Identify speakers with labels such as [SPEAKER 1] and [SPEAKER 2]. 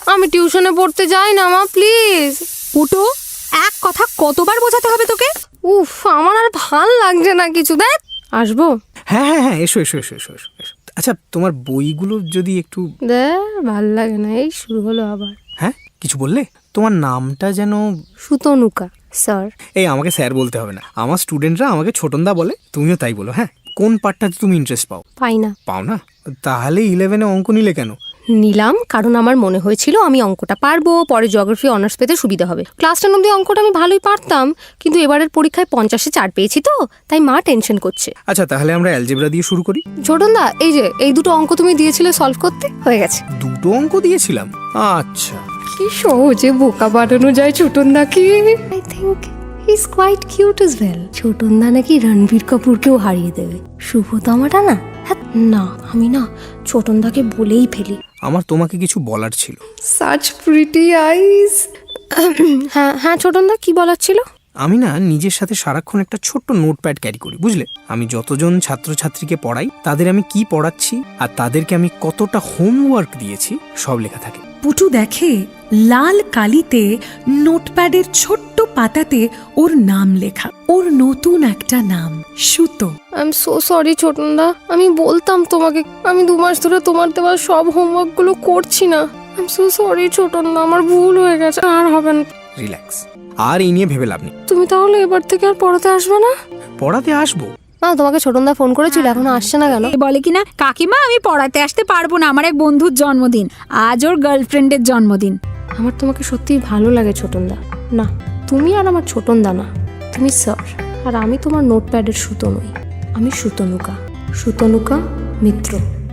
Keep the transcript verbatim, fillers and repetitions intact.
[SPEAKER 1] আমি টিউশনে পড়তে যাই না মা, প্লিজ।
[SPEAKER 2] পুটু, এক কথা কতবার বোঝাতে হবে তোকে?
[SPEAKER 1] উফ, আমার আর ভাল লাগছে না কিছু। দেখ, আসবো?
[SPEAKER 3] হ্যাঁ হ্যাঁ হ্যাঁ, এসো এসো এসো এসো এসো এসো। আচ্ছা, তোমার বইগুলো যদি একটু।
[SPEAKER 1] দেখ, ভাল লাগে না, এই শুরু হলো আবার।
[SPEAKER 3] হ্যাঁ, কিছু বললে? তোমার নামটা যেন?
[SPEAKER 1] সুতনুকা স্যার।
[SPEAKER 3] এই, আমাকে স্যার বলতে হবে না, আমার স্টুডেন্টরা আমাকে ছোটনদা বলে, তুমিও তাই বলো। হ্যাঁ, কোন পার্টটাতে তুমি ইন্টারেস্ট পাও?
[SPEAKER 1] পাই না।
[SPEAKER 3] পাও না? তাহলে ইলেভেনে অঙ্ক নিলে কেন?
[SPEAKER 1] নিলাম কারণ আমার মনে হয়েছিল আমি অঙ্কটা পারবো, পরে জিওগ্রাফি অনার্স পেতে সুবিধা হবে। ক্লাস টেন অব্দি অঙ্কটা আমি ভালোই পারতাম, কিন্তু এবারের পরীক্ষায় পঞ্চাশে চার পেয়েছি তো, তাই মা টেনশন করছে।
[SPEAKER 3] আচ্ছা, তাহলে আমরা অ্যালজেব্রা দিয়ে শুরু করি।
[SPEAKER 1] ছোটনদা, এই যে এই দুটো অঙ্ক তুমি দিয়েছিলে সলভ করতে, হয়ে গেছে।
[SPEAKER 3] দুটো অঙ্ক দিয়েছিলাম? আচ্ছা।
[SPEAKER 1] কি সহজে বোকা বানানো যায় ছোটনদাকে। I think he is quite cute as well. Chhotonda নাকি রণবীর কাপুরকেও হারিয়ে দেবে। শুভতমাটা না? হ্যাঁ, না আমি না ছোটনদাকে বলেই ফেলি।
[SPEAKER 3] আমার তোমাকে কিছু বলার ছিল।
[SPEAKER 1] Such pretty eyes. হ্যাঁ হ্যাঁ ছোটনদা, কি বলার ছিল?
[SPEAKER 3] আমি না নিজের সাথে সারাক্ষণ একটা ছোট্ট নোটপ্যাড ক্যারি করি, বুঝলে? আমি যতজন ছাত্রছাত্রীকে পড়াই, তাদের আমি কি পড়াচ্ছি আর তাদেরকে আমি কতটা হোমওয়ার্ক দিয়েছি, সব লেখা থাকে।
[SPEAKER 2] পুটু দেখে লাল কালিতে নোটপ্যাডের ছোট্ট পাতাতে ওর নাম লেখা, ওর নতুন একটা নাম, Suto.
[SPEAKER 1] I am so sorry Chhotonda, আমি বলতাম তোমাকে, আমি দু মাস ধরে তোমার দেওয়া সব হোমওয়ার্ক গুলো করছি না। I am so sorry Chhotonda, আমার ভুল হয়ে গেছে, আর হবে না।
[SPEAKER 3] রিল্যাক্স, আর এই নিয়ে ভেবে লাভ নেই।
[SPEAKER 1] তুমি তাহলে এবার থেকে আর পড়াতে আসবে না?
[SPEAKER 3] পড়াতে আসবো।
[SPEAKER 1] না, তোমাকে ছোটনদা ফোন করেছিল, এখনো আসছে না কেন?
[SPEAKER 4] এ বলে কিনা, কাকিমা আমি পড়াতে আসতে পারবো না, আমার এক বন্ধুর জন্মদিন, আজ ওর গার্লফ্রেন্ডের জন্মদিন।
[SPEAKER 1] আমার তোমাকে সত্যিই ভালো লাগে ছোটনদা। না, তুমি আর আমার ছোটনদা না, তুমি স্যার। আর আমি তোমার নোটপ্যাডের সুতো নই, আমি সুতনুকা, সুতনুকা মিত্র।